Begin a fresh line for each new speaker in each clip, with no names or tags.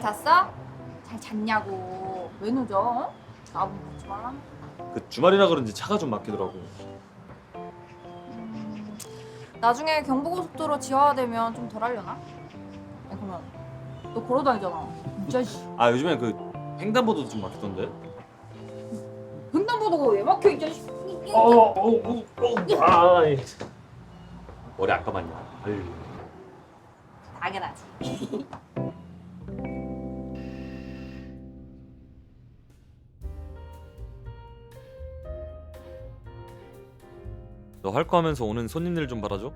잤어? 잘 잤냐고. 왜 늦어? 어? 나보고 묻지 마.
그 주말이라 그런지 차가 좀 막히더라고.
나중에 경부고속도로 지하화되면 좀 덜 하려나? 아니 그러면 너 걸어 다니잖아. 진짜 씨.
아 요즘엔 그 횡단보도도 좀 막히던데.
횡단보도가 왜 막혀 이 자식.
머리 안 감았냐? 아유.
당연하지.
너 할 거 하면서 오는 손님들 좀 받아줘.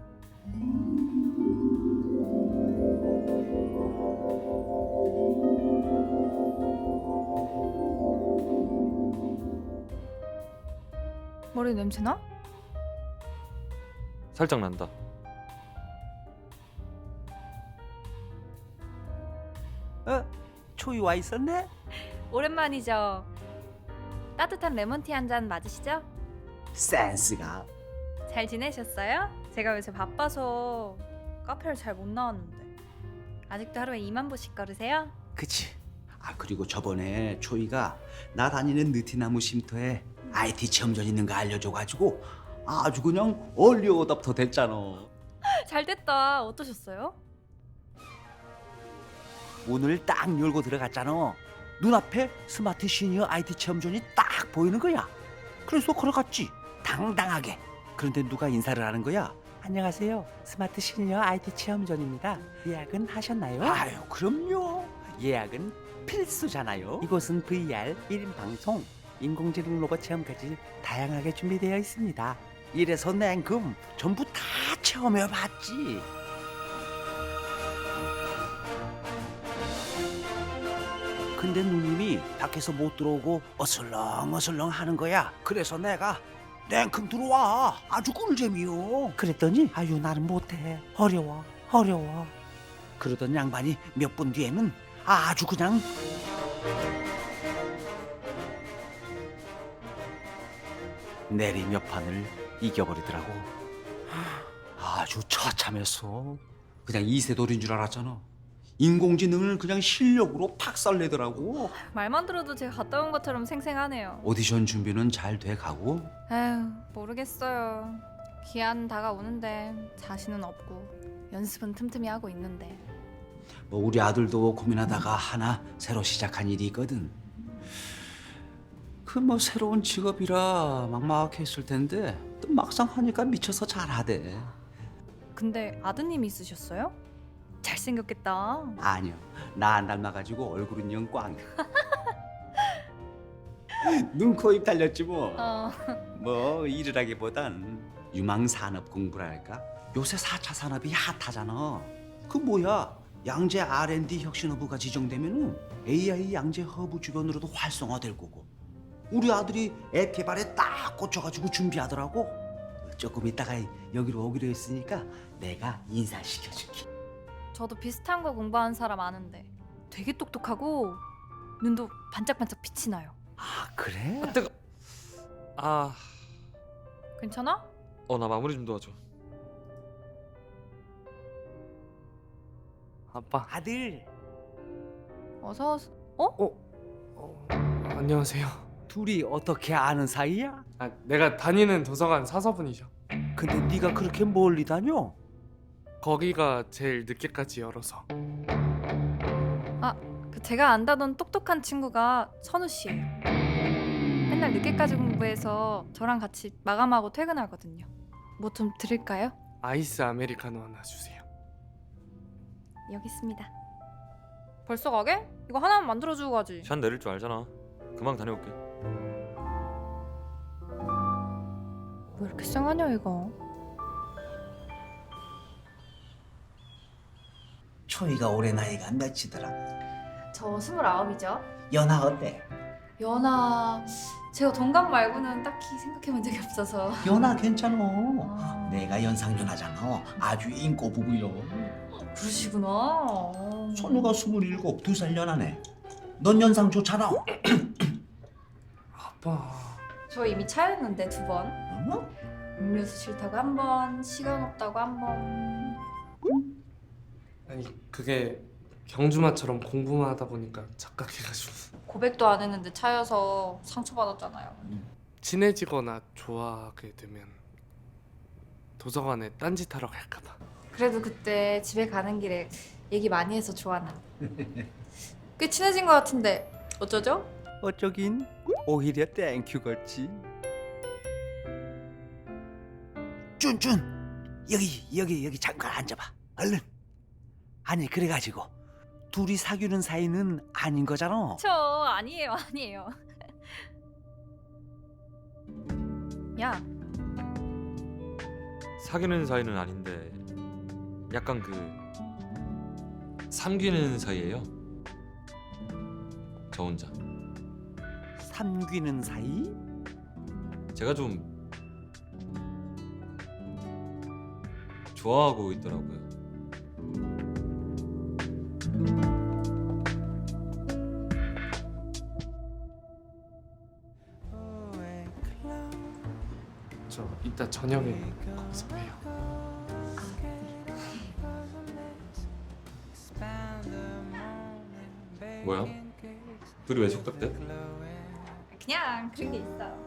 머리 냄새나?
살짝 난다.
초이 와 있었네?
오랜만이죠. 따뜻한 레몬티 한 잔 맞으시죠?
센스가.
잘 지내셨어요? 제가 요새 바빠서 카페를 잘 못 나왔는데. 아직도 하루에 2만 보씩 걸으세요?
그치. 아 그리고 저번에 초이가 나 다니는 느티나무 쉼터에 IT 체험전 있는 거 알려줘가지고 아주 그냥 얼리 어답터 됐잖아.
잘 됐다. 어떠셨어요?
문을 딱 열고 들어갔잖아. 눈앞에 스마트 시니어 IT 체험존이 딱 보이는 거야. 그래서 걸어갔지. 당당하게. 그런데 누가 인사를 하는 거야? 안녕하세요. 스마트 시니어 IT 체험존입니다. 예약은 하셨나요? 아유, 그럼요. 예약은 필수잖아요. 이곳은 VR 1인 방송, 인공지능 로봇 체험까지 다양하게 준비되어 있습니다. 이래서 냉금 전부 다 체험해 봤지. 근데 누님이 밖에서 못 들어오고 어슬렁어슬렁 하는 거야. 그래서 내가 냉큼 들어와. 아주 꿀잼이요. 그랬더니 아유 나는 못해. 어려워. 그러던 양반이 몇 분 뒤에는 아주 그냥 내리 몇 판을 이겨버리더라고. 아주 처참했어. 그냥 이세돌인 줄 알았잖아. 인공지능을 그냥 실력으로 팍살내더라고.
말만 들어도 제가 갔다 온 것처럼 생생하네요.
오디션 준비는 잘 돼가고.
에휴, 모르겠어요. 기한 다가오는데 자신은 없고 연습은 틈틈이 하고 있는데.
뭐 우리 아들도 고민하다가 하나 새로 시작한 일이 있거든. 그 뭐 새로운 직업이라 막막했을 텐데 또 막상 하니까 미쳐서 잘하대.
근데 아드님 있으셨어요? 잘생겼겠다.
아니요, 나 안 닮아가지고 얼굴은 영 꽝이야. 눈, 코, 입 달렸지 뭐. 뭐 일을 하기보단 유망산업 공부랄까. 요새 4차 산업이 핫하잖아. 그 뭐야, 양재 R&D 혁신허브가 지정되면은 AI 양재 허브 주변으로도 활성화될 거고. 우리 아들이 앱 개발에 딱 꽂혀가지고 준비하더라고. 조금 있다가 여기로 오기로 했으니까 내가 인사시켜줄게.
저도 비슷한 거 공부하는 사람 아는데 되게 똑똑하고 눈도 반짝반짝 빛이 나요.
아 그래?
뜨거. 아,
괜찮아?
나 마무리 좀 도와줘.
아빠.
아들
어서 어?
안녕하세요.
둘이 어떻게 아는 사이야?
아, 내가 다니는 도서관 사서분이셔.
근데 네가 그렇게 멀리 다녀?
거기가 제일 늦게까지 열어서.
그 제가 안다던 똑똑한 친구가 선우 씨예요. 맨날 늦게까지 공부해서 저랑 같이 마감하고 퇴근하거든요. 뭐 좀 드릴까요?
아이스 아메리카노 하나 주세요.
여기 있습니다. 벌써 가게? 이거 하나만 만들어주고 가지.
샷 내릴 줄 알잖아. 금방 다녀올게.
왜 이렇게 쌩하냐 이거.
초이가 올해 나이가 몇이더라?
저 29이죠.
연하 어때?
연하 제가 동갑 말고는 딱히 생각해본 적이 없어서.
연하 괜찮어.
아.
내가 연상연하잖아. 아주 인고 부부요.
그러시구나.
선우가 27, 2살 연하네. 넌 연상 좋잖아.
아빠.
저 이미 차였는데 2번.
어?
음료수 싫다고 1번, 시간 없다고 1번.
아니 그게 경주마처럼 공부만 하다 보니까 착각해가지고
고백도 안 했는데 차여서 상처받았잖아요.
친해지거나 좋아하게 되면 도서관에 딴짓하러 갈까봐.
그래도 그때 집에 가는 길에 얘기 많이 해서 좋아나. 꽤 친해진 것 같은데 어쩌죠?
어쩌긴 오히려 땡큐 걸지. 쭌쭌 여기 잠깐 앉아봐 얼른. 아니 그래가지고 둘이 사귀는 사이는 아닌 거잖아.
저 아니에요. 야,
사귀는 사이는 아닌데 약간 그 삼귀는 사이예요. 저 혼자.
삼귀는 사이?
제가 좀 좋아하고 있더라고요.
저 이따 저녁에 거기서 봬요.
뭐야? 둘이 왜 속닥대?
그냥 그런 게 있어.